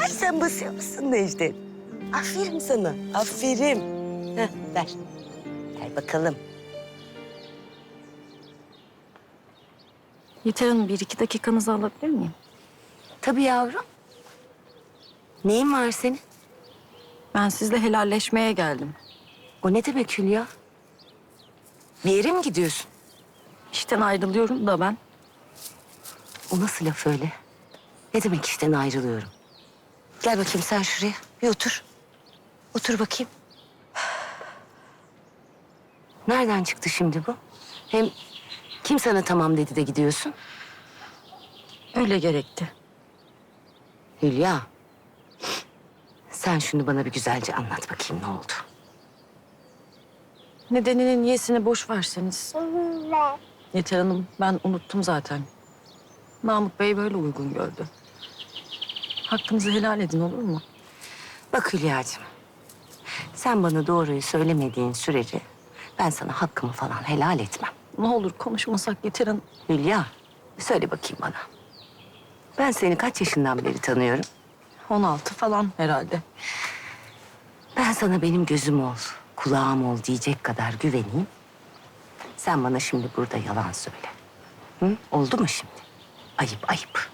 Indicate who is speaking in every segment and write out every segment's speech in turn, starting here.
Speaker 1: Sen basıyor musun Necdet? Aferin sana, aferin. Heh, ver. Ver bakalım.
Speaker 2: Yeter Hanım, 1-2 dakikanızı alabilir miyim?
Speaker 1: Tabii yavrum. Neyin var senin?
Speaker 2: Ben sizle helalleşmeye geldim.
Speaker 1: O ne demek Hülya? Bir yere mi gidiyorsun?
Speaker 2: İşten ayrılıyorum da ben.
Speaker 1: O nasıl laf öyle? Ne demek işten ayrılıyorum? Gel bakayım sen şuraya. Bir otur. Otur bakayım. Nereden çıktı şimdi bu? Hem kim sana tamam dedi de gidiyorsun?
Speaker 2: Öyle gerekti.
Speaker 1: Hülya. Sen şunu bana bir güzelce anlat bakayım ne oldu?
Speaker 2: Nedenini, niyesini boş verseniz. Yeter Hanım, ben unuttum zaten. Namık Bey böyle uygun gördü. Hakkınızı helal edin, olur mu?
Speaker 1: Bak Hülya'cığım. Sen bana doğruyu söylemediğin sürece ben sana hakkımı falan helal etmem.
Speaker 2: Ne olur konuşmasak Yeter Hanım.
Speaker 1: Hülya, söyle bakayım bana. Ben seni kaç yaşından beri tanıyorum?
Speaker 2: 16 falan herhalde.
Speaker 1: Ben sana benim gözüm ol, kulağım ol diyecek kadar güveneyim. Sen bana şimdi burada yalan söyle. Hı? Oldu mu şimdi? Ayıp, ayıp.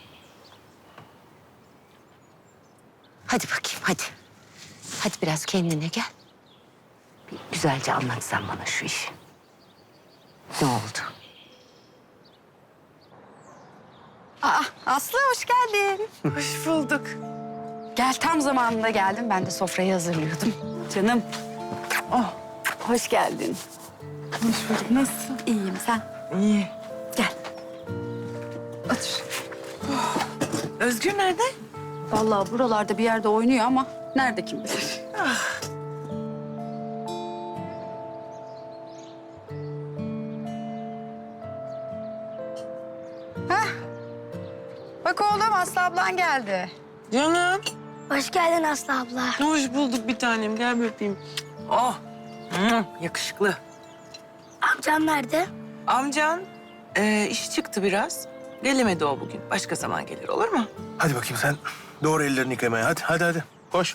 Speaker 1: Hadi bakayım, hadi. Hadi biraz kendine gel. Bir güzelce anlatsan bana şu işi. Ne oldu?
Speaker 3: Aa, Aslı hoş geldin.
Speaker 4: Hoş bulduk.
Speaker 3: Gel tam zamanında geldim. Ben de sofrayı hazırlıyordum. Canım. Oh, hoş geldin.
Speaker 4: Hoş bulduk. Nasılsın?
Speaker 3: İyiyim sen.
Speaker 4: İyi.
Speaker 3: Gel.
Speaker 4: Otur. Özgür nerede?
Speaker 3: Vallahi buralarda bir yerde oynuyor ama nerede kim bilir. Hah. Bak oğlum Aslı ablan geldi.
Speaker 4: Canım.
Speaker 5: Hoş geldin Aslı abla.
Speaker 4: Hoş bulduk bir tanem. Gel bir öpeyim. Oh. Yakışıklı.
Speaker 5: Amcam nerede?
Speaker 4: Amcan işi çıktı biraz. Gelemedi o bugün. Başka zaman gelir olur mu?
Speaker 6: Hadi bakayım sen doğru ellerini yıkamaya. Hadi. Koş.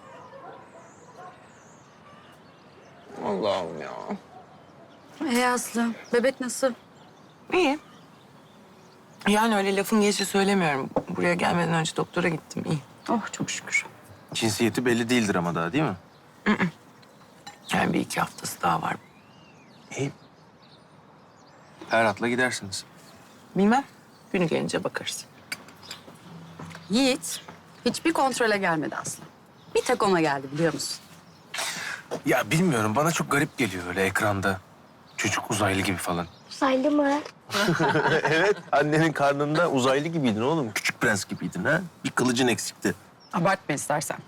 Speaker 4: Allah'ım ya.
Speaker 3: Aslı, bebek nasıl?
Speaker 4: İyi. Yani öyle lafın gelişi söylemiyorum. Buraya gelmeden önce doktora gittim. İyi.
Speaker 3: Oh çok şükür.
Speaker 6: Cinsiyeti belli değildir ama daha değil mi?
Speaker 4: Yani 1-2 haftası daha var.
Speaker 6: İyi. Ferhat'la gidersiniz.
Speaker 4: Bilmem. Günü gelince bakarız.
Speaker 3: Yiğit hiçbir kontrole gelmedi Aslı. Bir tek ona geldi biliyor musun?
Speaker 6: Ya bilmiyorum bana çok garip geliyor öyle ekranda. Çocuk uzaylı gibi falan.
Speaker 5: Uzaylı mı?
Speaker 6: Evet annenin karnında uzaylı gibiydin oğlum. Küçük prens gibiydin ha. Bir kılıcın eksikti.
Speaker 3: Abartma istersen.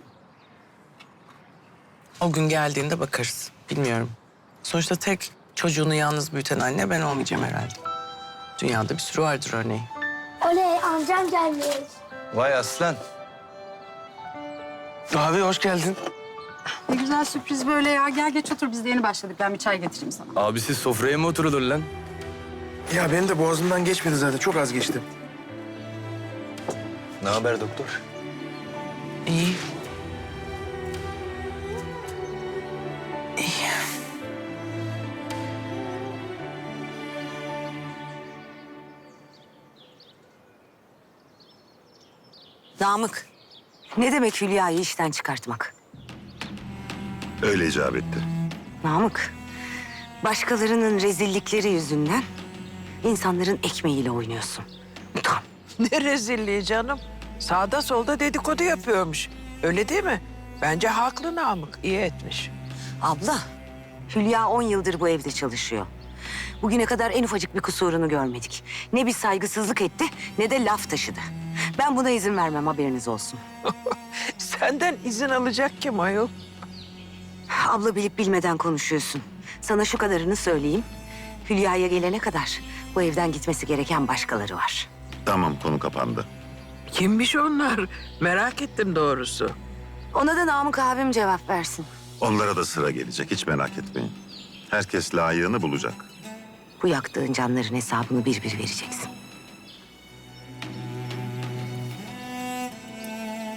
Speaker 4: O gün geldiğinde bakarız. Bilmiyorum. Sonuçta tek çocuğunu yalnız büyüten anne ben olmayacağım herhalde. Dünyada bir sürü vardır örneği.
Speaker 5: Oley amcam gelmiş.
Speaker 6: Vay aslan. Abi hoş geldin.
Speaker 3: Ne güzel sürpriz böyle ya. Gel geç otur. Biz de yeni başladık. Ben bir çay getireyim sana.
Speaker 7: Abi siz sofraya mı oturulur lan?
Speaker 6: Ya benim de boğazımdan geçmedi zaten. Çok az geçti. Ne haber doktor?
Speaker 4: İyi.
Speaker 1: Namık, ne demek Hülya'yı işten çıkartmak?
Speaker 8: Öyle icap etti.
Speaker 1: Namık, başkalarının rezillikleri yüzünden insanların ekmeğiyle oynuyorsun. Utan.
Speaker 9: Ne rezilliği canım. Sağda solda dedikodu yapıyormuş. Öyle değil mi? Bence haklı Namık. İyi etmiş.
Speaker 1: Abla, Hülya 10 yıldır bu evde çalışıyor. Bugüne kadar en ufacık bir kusurunu görmedik. Ne bir saygısızlık etti ne de laf taşıdı. Ben buna izin vermem, haberiniz olsun.
Speaker 9: Senden izin alacak kim ayol?
Speaker 1: Abla bilip bilmeden konuşuyorsun. Sana şu kadarını söyleyeyim. Hülya'ya gelene kadar bu evden gitmesi gereken başkaları var.
Speaker 8: Tamam, konu kapandı.
Speaker 9: Kimmiş onlar? Merak ettim doğrusu.
Speaker 1: Ona da Namık abim cevap versin.
Speaker 8: Onlara da sıra gelecek, hiç merak etmeyin. Herkes layığını bulacak.
Speaker 1: Bu yaktığın canların hesabını bir bir vereceksin.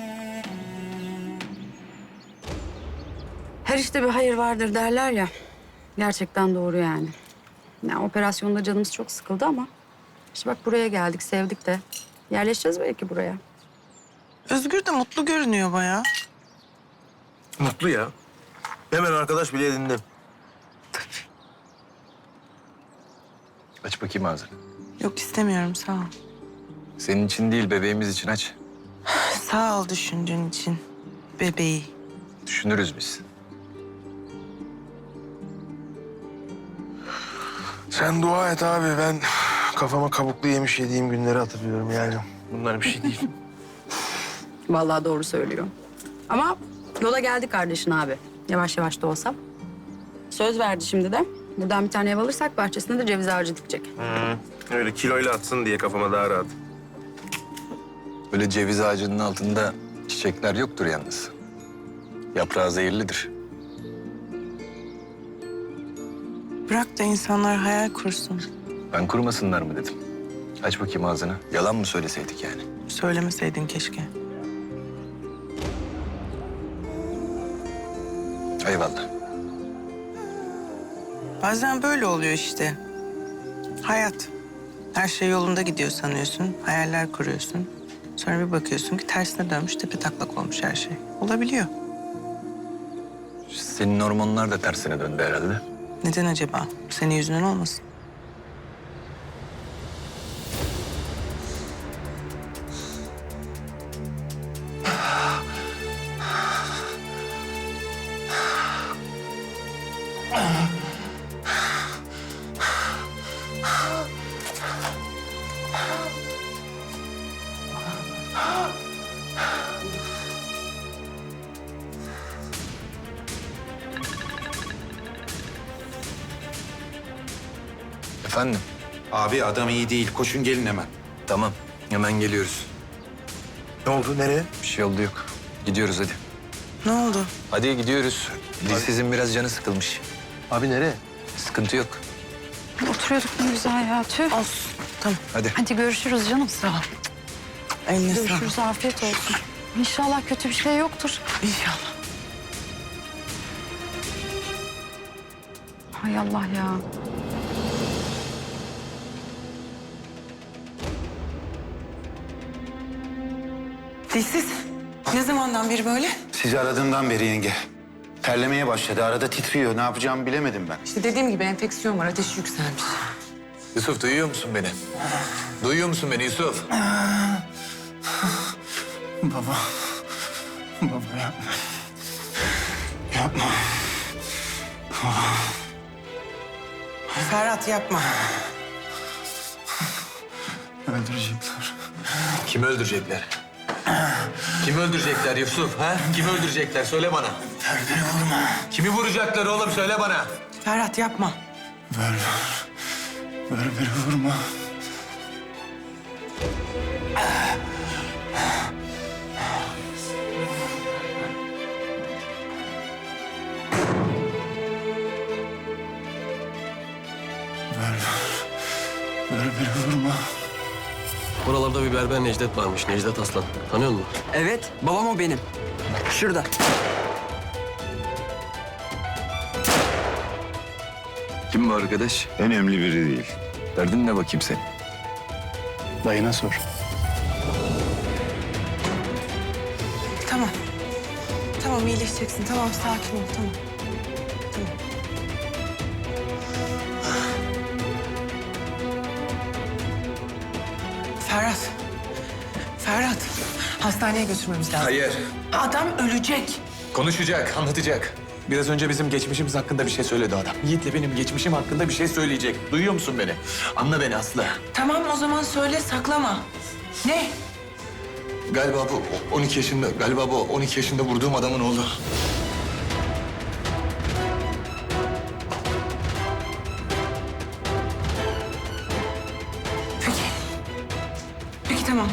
Speaker 3: Her işte bir hayır vardır derler ya. Gerçekten doğru yani. Yani operasyonda canımız çok sıkıldı ama... işte bak buraya geldik, sevdik de. Yerleşeceğiz belki buraya.
Speaker 4: Özgür de mutlu görünüyor bayağı.
Speaker 6: Mutlu ya. Hemen arkadaş bile edindim.
Speaker 7: Aç bakayım ağzını.
Speaker 4: Yok istemiyorum sağ ol.
Speaker 7: Senin için değil, bebeğimiz için aç.
Speaker 4: Sağ ol düşündüğün için. Bebeği.
Speaker 7: Düşünürüz biz.
Speaker 6: Sen dua et abi. Ben kafama kabuklu yemiş yediğim günleri hatırlıyorum yani. Bunlar bir şey değil.
Speaker 3: Vallahi doğru söylüyor. Ama yola geldi kardeşin abi. Yavaş yavaş da olsa. Söz verdi şimdi de. Buradan bir tane ev alırsak bahçesine de ceviz ağacı dikecek.
Speaker 6: Öyle kiloyla atsın diye kafama daha rahat.
Speaker 7: Böyle ceviz ağacının altında çiçekler yoktur yalnız. Yaprağı zehirlidir.
Speaker 4: Bırak da insanlar hayal kursun.
Speaker 7: Ben kurmasınlar mı dedim. Aç bakayım ağzını. Yalan mı söyleseydik yani?
Speaker 4: Söylemeseydin keşke.
Speaker 7: Eyvallah.
Speaker 4: Bazen böyle oluyor işte. Hayat. Her şey yolunda gidiyor sanıyorsun. Hayaller kuruyorsun. Sonra bir bakıyorsun ki tersine dönmüş, tepe taklak olmuş her şey. Olabiliyor.
Speaker 7: Senin hormonlar da tersine döndü herhalde.
Speaker 4: Neden acaba? Senin yüzünden olmasın?
Speaker 7: Efendim?
Speaker 10: Abi adam iyi değil. Koşun gelin hemen.
Speaker 7: Tamam. Hemen geliyoruz.
Speaker 6: Ne oldu? Nereye?
Speaker 7: Bir şey oldu yok. Gidiyoruz hadi.
Speaker 4: Ne oldu?
Speaker 7: Hadi gidiyoruz. Dilsizin biraz canı sıkılmış.
Speaker 6: Abi nereye?
Speaker 7: Sıkıntı yok.
Speaker 3: Oturuyorduk ne güzel ya. Tüh.
Speaker 4: Olsun. Tamam.
Speaker 7: Hadi.
Speaker 3: Hadi görüşürüz canım. Sağ ol.
Speaker 4: Eline sağlık.
Speaker 3: Görüşürüz. Afiyet olsun. İnşallah kötü bir şey yoktur.
Speaker 4: İnşallah.
Speaker 3: Hay Allah ya.
Speaker 4: Dilsiz. Ne zamandan beri böyle?
Speaker 10: Sizi aradığımdan beri yenge. Terlemeye başladı. Arada titriyor. Ne yapacağımı bilemedim ben.
Speaker 4: İşte dediğim gibi enfeksiyon var. Ateşi yükselmiş.
Speaker 7: Yusuf duyuyor musun beni? Duyuyor musun beni Yusuf?
Speaker 10: Baba. Baba yapma. Yapma.
Speaker 4: Ferhat yapma.
Speaker 10: Öldürecekler.
Speaker 7: Kimi öldürecekler? Kimi öldürecekler Yusuf? Ha? Kimi öldürecekler? Söyle bana.
Speaker 10: Beni vurma.
Speaker 7: Kimi vuracaklar oğlum? Söyle bana.
Speaker 4: Ferhat yapma.
Speaker 10: Ver. Ver beni vurma. Ver beni vurma.
Speaker 11: Buralarda bir berber Necdet varmış. Necdet Aslan. Tanıyor musun?
Speaker 9: Evet, babam o benim. Şurada.
Speaker 7: Kim bu arkadaş?
Speaker 8: Önemli biri değil.
Speaker 7: Derdin ne bakayım senin?
Speaker 10: Dayına sor.
Speaker 4: Tamam. Tamam iyileşeceksin. Tamam sakin ol. Tamam. Tamam. Ferhat. Ferhat. Hastaneye götürmemiz lazım.
Speaker 7: Hayır.
Speaker 4: Adam ölecek.
Speaker 7: Konuşacak, anlatacak. Biraz önce bizim geçmişimiz hakkında bir şey söyledi adam. Yiğit'le benim geçmişim hakkında bir şey söyleyecek. Duyuyor musun beni? Anla beni Aslı.
Speaker 4: Tamam o zaman söyle saklama. Ne?
Speaker 7: Galiba bu 12 yaşında vurduğum adamın oğlu.
Speaker 4: Peki. Peki tamam.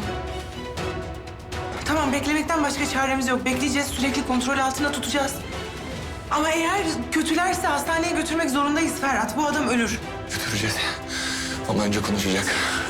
Speaker 4: Tamam beklemekten başka çaremiz yok. Bekleyeceğiz, sürekli kontrol altında tutacağız. Ama eğer kötülerse hastaneye götürmek zorundayız Ferhat. Bu adam ölür.
Speaker 7: Götüreceğiz. Ama önce konuşacak.